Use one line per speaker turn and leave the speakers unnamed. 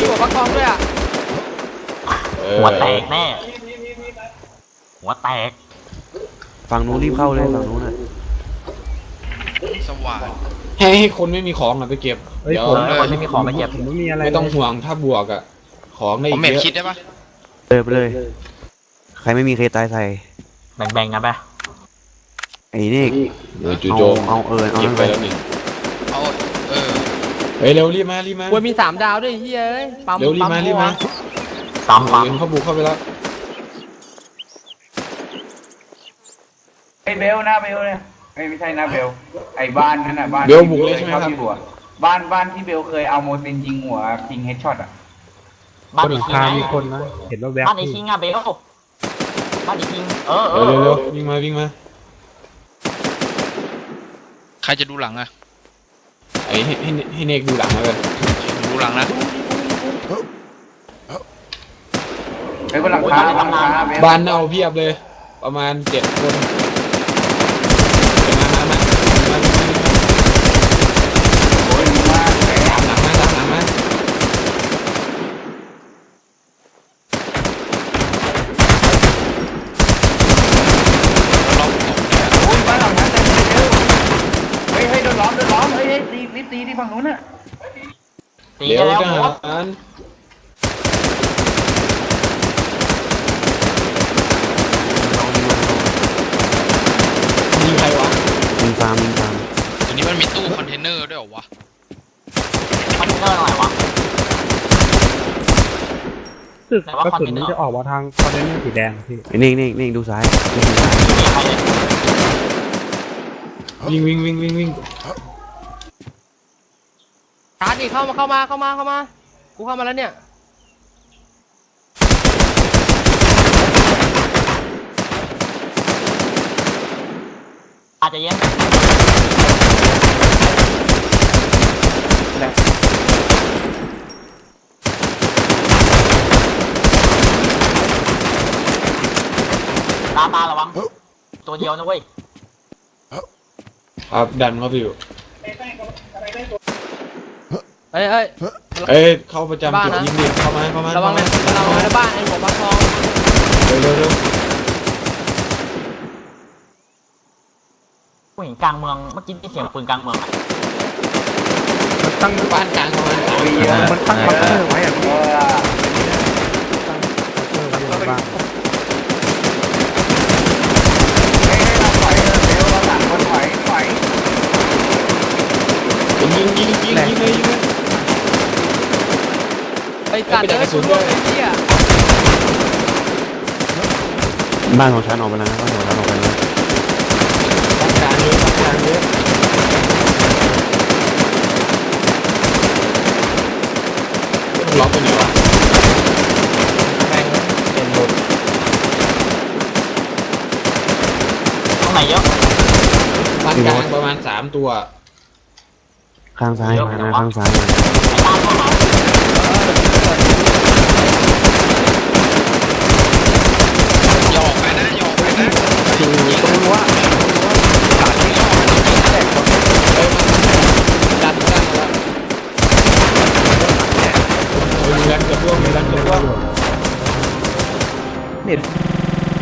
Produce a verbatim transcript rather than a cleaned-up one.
หัวฟักทองด้วยอ่ะ
หัวแตกแน่หัวแตก
ฝั่งนู้นรีบเข้าเลยฝั่งนู้นน่ะ
สว่าง
ให้ให้คนไม่มีของอ่ะไปเก็บ
เดี๋ยวคนไม่มีของไปเก็บ
ไม่มีอะไรไม่ต้องห่วงถ้าบวกอ่ะของได้เยอะผมเม็ดคิดได้ปะ
เออไปเลยใครไม่มีใครตายใส่
แบ่งๆกันไป
ไอ้นี่
เดี๋ยวจู่โจม
เอาเออเอา
ไปแล้วนี่
เอาเออ
เฮ้ยเร็วรีบมารีบมา
ควรมีสามดาวด้วยเฮ้ยปั๊ม
เร็วรีบมารีบมา
ตามปั๊ม
เขาบุกเข้าไปแล้ว
ไอ้เบลนะเบลเนี่ยไม่ไม่ใช่นะเบลไอ้บ้านนั่นน่ะบ้าน
เบลบุกเลยใช่ไหมครับ
บ้านบ้านที่เบลเคยเอาโมซินยิงหัวคิงเฮดช็อตอ่ะ
บ้านอีคิง
มีคนนะเห็นว่าแวบ
บ้านอีคิงอะเบลบ้านอีคิงเออเออ
เร็วเร็ววิ่งมาวิ่งมา
ใครจะดูหลังอะ
ไอ้ให้ให้ให้เนกดูหลังมาเลย
ดูหลังนะ
ไอ้คนหลังคา
บ้านเน่าเพียบเลยประมาณเจ็ดคนมามามามา
โอ้ยมา
ตามหลังมาตามหลังมา
โอ้ยบ้านหลังนั้นเต็มเลยเฮ้ยเฮ้ยโดนล้อมโดนล้อมเฮ้ยตีรีบตีที่ฝั่งนู้นน่ะ
ตีแล้วหมด
ยิงใครวะ
ยิงฟาร์มยิงฟาร์ม
ตัวนี้มันมีตู้คอนเทนเนอร์ด้วยเหรอวะ
คอนเทนเนอร์อะไรวะ
สึกกระสุนมันจะออกมาทางคอนเทนเนอร์สีแดงพี่
นิ่งนิ่งนิ่งดูซ้าย
วิ่งวิ่งวิ่งวิ่งวิ่ง
ชาร์จดิเข้ามาเข้ามาเข้ามาเข้ามากูเข้ามาแล้วเนี่ย
อาจจะเย็นตามมาระวังตัวเดียวนะเว้ย
ครับดันเข้าไปอยู่
เอ้ยเอ้ย
เอ้ยเข้าประจำจุดยิงดิเข้ามาเข้ามา
ระวังนะระวังนะบ้านไอ้หัวฟักทอง
เร็วเร็วเร็ว
ผู้หญิงกลางเมืองเมื่อกี้ที่เสียงปืนกลางเมือง
มันตั้งบ้านกลางประมาณสามปี
มันตั้งบังเกอร์ไว้อะพี่
บ้านเฮ้ยเราถอยเร็วเราหลังคนถอยถอย
ยิงยิงยิงยิงยิงเลยยิงเลย
ไปจัดเลยคุณด้วยไอ้เหี้ย
บ้านของฉันออกไปแล้วนะบ้านของฉันออกไปแล้ว
บ้านกลางเยอะบ้านกลางเยอะล็อกไปไหนวะแม่งเป็นหมด
ตรงไหนเยอะ
บ้านกลางประมาณสามตัว
ข้างซ้ายมานะข้างซ้ายมา
ไอ้ตามเข้ามา